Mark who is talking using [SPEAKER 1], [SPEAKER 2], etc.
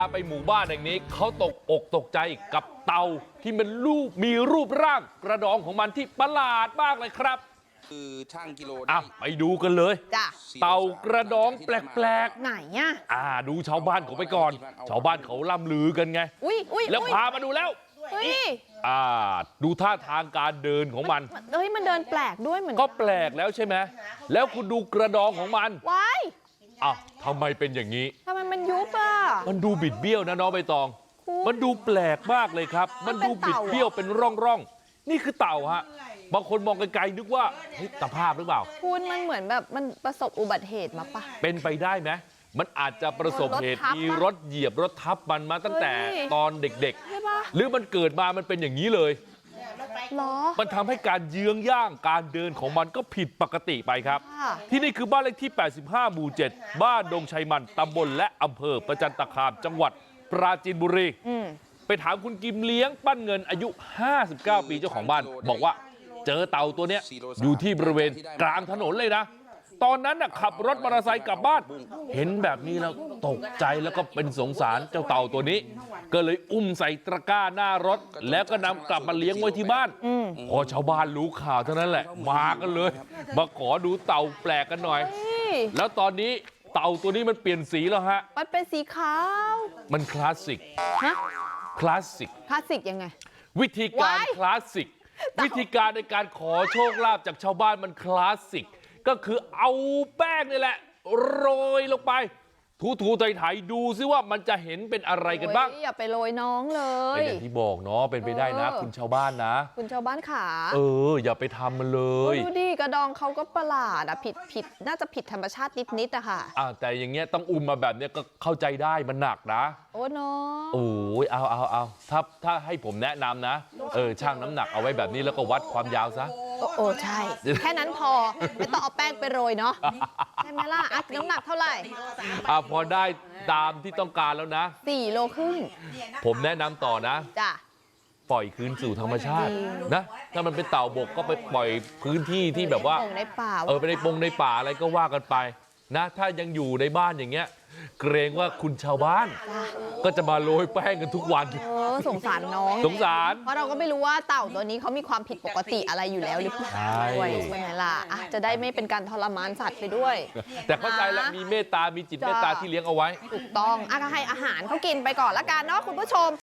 [SPEAKER 1] ไปหมู่บ้านแห่งนี้เขาตกอกตกใจกับเต่าที่มันมีรูปร่างกระดองของมันที่ประหลาดมากเลยครับ
[SPEAKER 2] คือช่างกิโล
[SPEAKER 1] ไปดูกันเลย
[SPEAKER 3] จ้ะ
[SPEAKER 1] เต่ากระดองแปลก
[SPEAKER 3] ไหนอ่ะ
[SPEAKER 1] ดูชาวบ้านเขาไปก่อนชาวบ้านเขาล่ำลือกันไงแล้วพามาดูแล้วดูท่าทางการเดินของมัน
[SPEAKER 3] มันเดินแปลกด้วยเหมือน
[SPEAKER 1] ก็แปลกแล้วใช่ไหมแล้วคุณดูกระดองของมัน
[SPEAKER 3] ว้าย
[SPEAKER 1] ทำไมเป็นอย่างนี้
[SPEAKER 3] ทำไมมันยุบ
[SPEAKER 1] มันดูบิดเบี้ยวนะน้องใบตองมันดูแปลกมากเลยครับมันดูบิดเบี้ยวเป็นร่องนี่คือเต่าฮะบางคนมองไกลๆนึกว่าตะภาพหรือเปล่า
[SPEAKER 3] คุณมันเหมือนแบบมันประสบอุบัติเหตุมาปะ
[SPEAKER 1] เป็นไปได้ไหมมันอาจจะประสบเหตุมีรถเหยียบรถทับมันมาตั้งแต่ตอนเด็กๆหรือมันเกิดมามันเป็นอย่างนี้เลยมันทำให้การเยื้องย่างการเดินของมันก็ผิดปกติไปครับที่นี่คือบ้านเลขที่85หมู่7บ้านดงชัยมันตำบลและอำเภอประจันตคามจังหวัดปราจีนบุรีไปถามคุณกิมเลี้ยงปั้นเงินอายุ59ปีเจ้าของบ้านบอกว่าเจอเต่าตัวเนี้ยอยู่ที่บริเวณกลางถนนเลยนะตอนนั้นขับรถมอเตอร์ไซค์กลับบ้านเห็นแบบนี้แล้วตกใจแล้วก็เป็นสงสารเจ้าเต่าตัวนี้ก็เลยอุ้มใส่ตะกร้าหน้ารถแล้วก็นำกลับมาเลี้ยงไว้ที่บ้านพอชาวบ้านรู้ข่าวเท่านั้นแหละมากันเลยมาขอดูเต่าแปลกกันหน่อยแล้วตอนนี้เต่าตัวนี้มันเปลี่ยนสีแล้วฮะ
[SPEAKER 3] มันเป็นสีขาว
[SPEAKER 1] มันคลาสสิกคลาสสิก
[SPEAKER 3] ยังไง
[SPEAKER 1] วิธีการคลาสสิกวิธีการในการขอโชคลาภจากชาวบ้านมันคลาสสิกก็คือเอาแป้งนี่แหละโรยลงไปถูๆไถๆดูซิว่ามันจะเห็นเป็นอะไรกันบ้าง
[SPEAKER 3] อย่าไปโรยน้องเลย
[SPEAKER 1] เป็นอย่างที่บอกเนาะเป็นไปได้นะคุณชาวบ้านนะ
[SPEAKER 3] คุณชาวบ้านขา
[SPEAKER 1] อย่าไปทำมันเลย
[SPEAKER 3] ดูดิกระดองเขาก็ประหลาดผิดน่าจะผิดธรรมชาตินิดอะค่ะ
[SPEAKER 1] แต่อย่างเงี้ยต้องอุ้มมาแบบเนี้ยก็เข้าใจได้มันหนักนะ
[SPEAKER 3] โอ้น้อง
[SPEAKER 1] เอาถ้าให้ผมแนะนำนะช่างน้ำหนักเอาไว้แบบนี้แล้วก็วัดความยาวซะ
[SPEAKER 3] ใช่แค่นั้นพอไม่ต้องเอาแป้งไปโรยเนาะใช่ไหมล่ะน้ำหนักเท่าไหร่
[SPEAKER 1] พอได้ตามที่ต้องการแล้วนะ
[SPEAKER 3] 4 โลครึ่ง
[SPEAKER 1] ผมแนะนำต่อนะ
[SPEAKER 3] จ้ะ
[SPEAKER 1] ปล่อยคืนสู่ธรรมชาตินะถ้ามันเป็นเต่าบกก็ไปปล่อยพื้นที่ที่แบบว่า
[SPEAKER 3] ในป่า
[SPEAKER 1] ไปในในป่าอะไรก็ว่ากันไปนะถ้ายังอยู่ในบ้านอย่างเงี้ยเกรงว่าคุณชาวบ้านก็จะมาโรยแป้งกันทุกวัน
[SPEAKER 3] สงสารน้อง
[SPEAKER 1] สงสาร
[SPEAKER 3] เพราะเราก็ไม่รู้ว่าเต่าตัวนี้เขามีความผิดปกติอะไรอยู่แล้วหรือเปล่าด้วยใช่ไหมล่ะจะได้ไม่เป็นการทรมานสัตว์ไปด้วย
[SPEAKER 1] แต่เข้าใจแล้วมีเมตตามีจิตเมตตาที่เลี้ยงเอาไว้
[SPEAKER 3] ถูกต้องก็ให้อาหารเขากินไปก่อนละกันเนาะคุณผู้ชม